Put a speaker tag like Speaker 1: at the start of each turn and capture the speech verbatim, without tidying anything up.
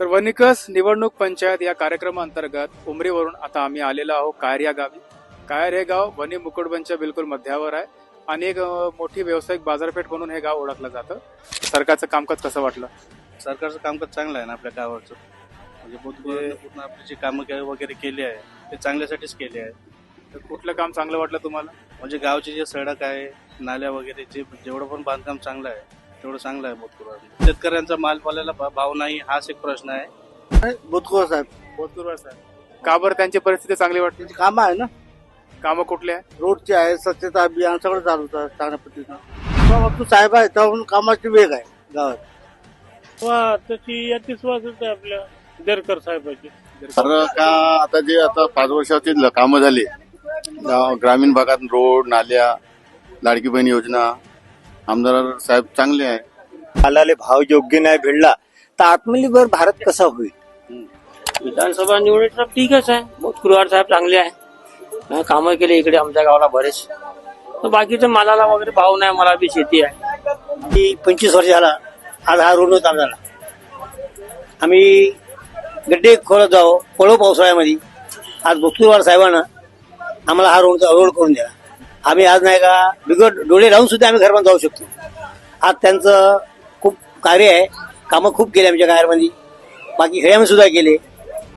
Speaker 1: तर वनिकस निवडणूक पंचायत या कार्यक्रमाअंतर्गत उमरीवरून आता आम्ही आलेलो आहोत कायर या गावी. कायर हे गाव वनी मुकुटबनच्या बिलकुल मध्यावर आहे आणि एक अ, मोठी व्यावसायिक बाजारपेठ म्हणून हे गाव ओळखलं जातं. सरकारचं कामकाज कसं वाटलं?
Speaker 2: सरकारचं कामकाज चांगलं आहे ना आपल्या गावाचं. म्हणजे बुद्धगुरूंनी पूर्ण आपली जी कामं के- वगैरे केली आहे ते चांगल्यासाठीच केली आहे.
Speaker 1: तर कुठलं काम चांगलं वाटलं तुम्हाला?
Speaker 2: म्हणजे गावची जे सडक आहे, नाल्या वगैरे जे जेवढं पण बांधकाम चांगलं आहे तेवढं चांगलं आहे बुद्धगुरूंनी. शेतकऱ्यांचा मालपाल्याला भा- भाव नाही हाच एक प्रश्न आहे.
Speaker 3: बुतकुळ साहेब
Speaker 1: बोधकुरवार साहेब. का बरं त्यांची परिस्थिती चांगली वाटते?
Speaker 3: त्यांची कामं आहे ना,
Speaker 1: कामं कुठली आहे?
Speaker 3: रोडचे आहे, स्वच्छता अभियान सगळं चालू होतं चांगल्या पद्धतीनं. तू साहेब आहे तेव्हा कामाची वेग आहे गावात.
Speaker 4: वा तशी याची विश्वासच आहे आपल्या देरकर साहेबाची.
Speaker 5: तर का आता जे आता पाच वर्षाची कामं झाली गाव- ग्रामीण भागात रोड नाल्या लाडकी बहीण योजना आमदार साहेब चांगले आहे.
Speaker 6: मालाला भाव योग्य नाही भेटला तर आत्मनिर्भर भारत कसा होईल?
Speaker 4: विधानसभा निवडणूक ठीकच आहे. बोधकुरवार साहेब चांगले आहे, हा, कामं केले इकडे आमच्या गावाला बरेच. तर बाकीचं मालाला वगैरे भाव नाही. मला बी शेती आहे.
Speaker 6: की पंचवीस वर्ष झाला आज हा रोड नव्हता आम्हाला. आम्ही गड्डे खोळत जाऊ पळो पावसाळ्यामध्ये. आज बोधकुरवार साहेबांना आम्हाला हा रोड रोड करून द्या. आम्ही आज नाही का बिगड डोळे लावून सुद्धा आम्ही घरपर्यंत जाऊ शकतो. आज त्यांचं खूप कार्य आहे. कामं खूप केली आमच्या गावामध्ये. बाकी खेड्यामध्ये सुद्धा केले.